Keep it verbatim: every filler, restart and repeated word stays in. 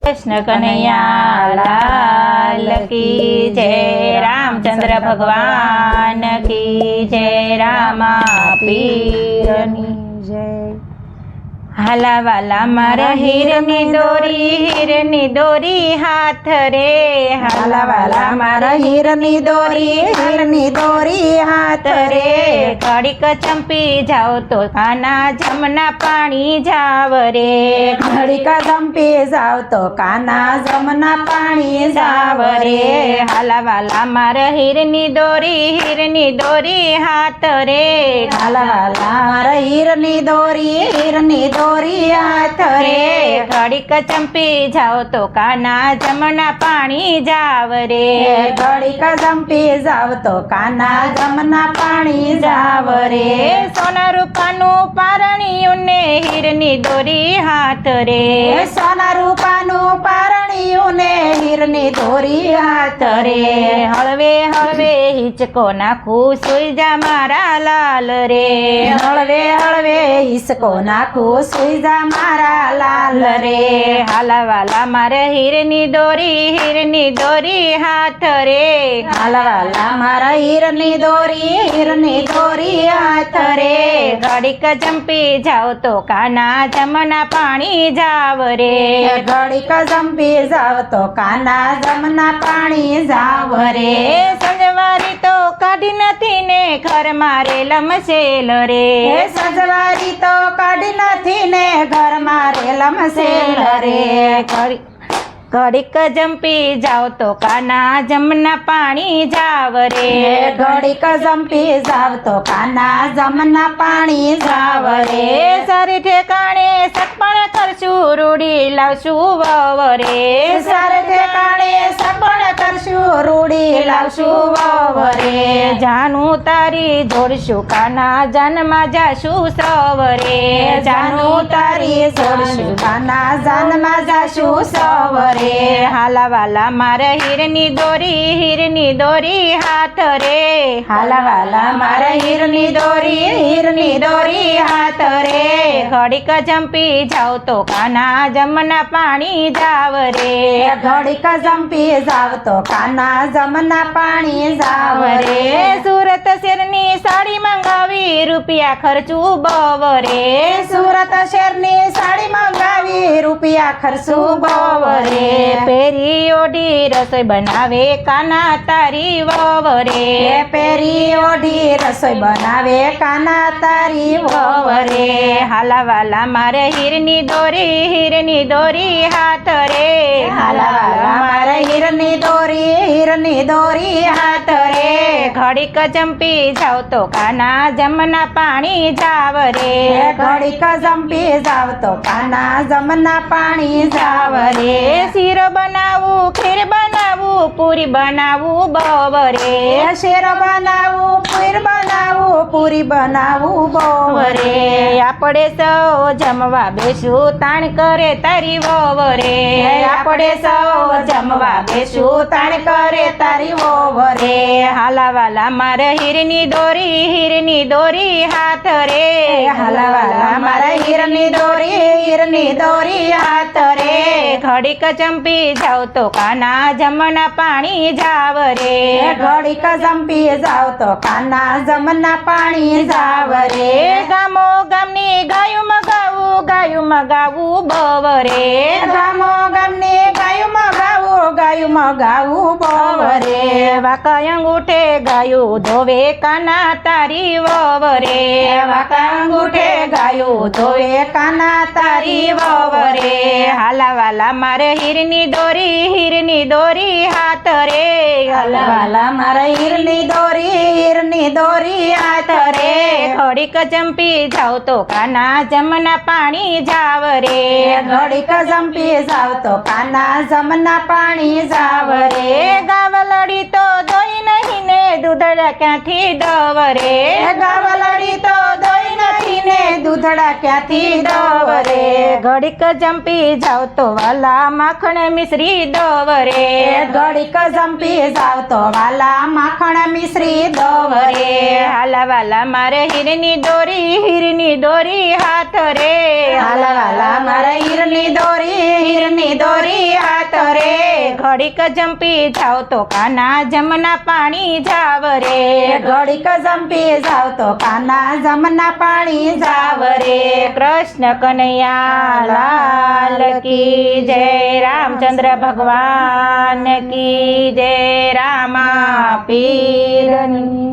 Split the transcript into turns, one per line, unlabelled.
कृष्ण कन्हैया लाल की जय। रामचंद्र भगवान की जय। रामा पीरनी जय। हाला वाला मारा हीरनी दोरी, हीरनी दोरी हाथ रे। हाला वाला मारा हीरनी दोरी, हीरनी दोरी हाथ रे। घड़ीक चंपी जाओ तो काना जमना पानी जाव रे।
घड़ीक चंपी जाओ तो काना जमना पानी जाव रे।
हाला वाला मारा हीरनी दोरी, हीरनी दोरी हाथ रे।
हाला वाला मारा हीरनी दोरी, हीरनी दोरी हाथ रे।
घड़ीक चंपी जाओ तो काना जमना पानी जाव रे।
घड़ीक चंपी जाओ तो काना जमना पानी जाव रे।
सोना रूपानु पारणियों ने हीरनी दोरी हाथ रे।
सोना रूपानु पारणियों ने हीरनी दोरी हाथ रे।
हळवे हळवे हिचको नाखू सुई जा मारा लाल रे।
हळवे हळवे हिसको नाखू सुई जा मारा लाल रे।
हाला वाला मारे हीरनी दोरी, हीरनी दोरी हाथ रे।
हाला वाला मारा हीरनी दोरी, हीरनी दोरी हाथ रे।
घड़ीक चंपी जाओ तो काना जमना पानी जाव रे।
घड़ीक चंपी जाओ तो काना जमना पानी जाव रे।
संजवारी तो काढ़ी नथी ने घर मारे लमसेल रे।
संजवारी तो काढ़ी नथी ने घर मारे लमसेल रे।
घड़ीक चंपी जाओ तो काना जमना पानी जाव रे।
घड़ीक चंपी जाओ तो काना जमना पानी जाव रे।
सारे ठेकाणे सपण करशु रूढ़ी लावशु वव रे।
सारे ठेकाणे सपण करशु रूढ़ी लावशु वव रे।
जानू तारी जोड़शु काना जन्मा जाशु सव रे।
जानू तारी जोड़शु काना जन्मा जाशु सव रे।
हाला वाला मारे हीरनी दोरी, हीरनी दोरी हाथ रे।
हाला वाला मारे हीरनी दोरी, हीरनी दोरी हाथ रे।
घड़ीक चंपी जाओ तो काना जमना पानी जाव रे।
घड़ीक चंपी जाओ तो काना जमना पानी जाव रे।
सूरत शेरनी साड़ी मंगावी रुपया खर्चू बव रे।
सूरत शेरनी साड़ी मंगावी रुपया खर्चू बव रे।
पेरी ओढ़ी रसोई बनावे काना तारी वव रे।
पेरी ओढ़ी रसोई बनावे काना तारी वव रे।
हाला वाला मारे हीरनी दोरी, हीरनी दोरी हाथ रे।
हाला वाला मारे हीरनी दोरी, हीरनी दोरी हाथ रे।
घड़ीक चंपी जाओ तो काना जमना पानी जाव रे।
घड़ीक चंपी जाओ तो काना जमना पानी जाव रे।
शीरो बनावू खीर बनावू पूरी बनावू बव रे।
शेर बनावू खीर बनावू पूरी बनावू बव रे।
आपड़े सौ जमवा बेसू ताण करे तारी वव रे।
आपड़े सौ जमवा बेसू ताण करे तारी वव रे।
हाला वाला मारे हीरनी दोरी, हीरनी दोरी हाथ रे।
हाला वाला मारे हीरनी दोरी, हीरनी दोरी हाथ रे।
घड़ीक चंपी जाओ तो काना जमना पानी जाव रे।
घड़ीक चंपी जाओ तो काना जमना पानी जाव रे।
गामो गामनी गायु मगावू, गायु मगावू बव रे।
गामो गामनी गायु मगावू, गायु मगावू बव रे।
वाका अंगूठे गायु धोवे काना तारी वव रे।
वाका अंगूठे गायु धोवे काना तारी वव रे।
हाला वाला मारे हीरनी दोरी, हीरनी दोरी हाथ रे।
हाला वाला मारे हीरनी दोरी, हीरनी दोरी हाथ रे।
घड़ीक चंपी जाओ तो काना जमना पानी जाव रे।
घड़ीक चंपी जाओ तो काना जमना पानी जाव रे।
गावलड़ी तो दोई नहीं ने दूधड़ा क्यांथी दव रे।
गावलड़ी तो दोई नहीं ने दूधड़ा क्यांथी दव रे।
घड़ीक चंपी जाओ तो वाला माखण मिश्री दव रे।
घड़ीक चंपी जाओ तो वाला माखण मिश्री दव रे।
हाला वाला मारे हीरनी दोरी, हीरनी दोरी हाथ रे।
हाला वाला मारे हीरनी दोरी, હીરની દોરી હાથ રે
ઘડીક જંપી જાવ તો કાના જમના પાણી જાવ રે
ઘડીક જંપી જાવ તો કાના જમના પાણી જાવ રે
કૃષ્ણ કનૈયા લાલ કી જય રામચંદ્ર ભગવાન કી જય રામા પીરની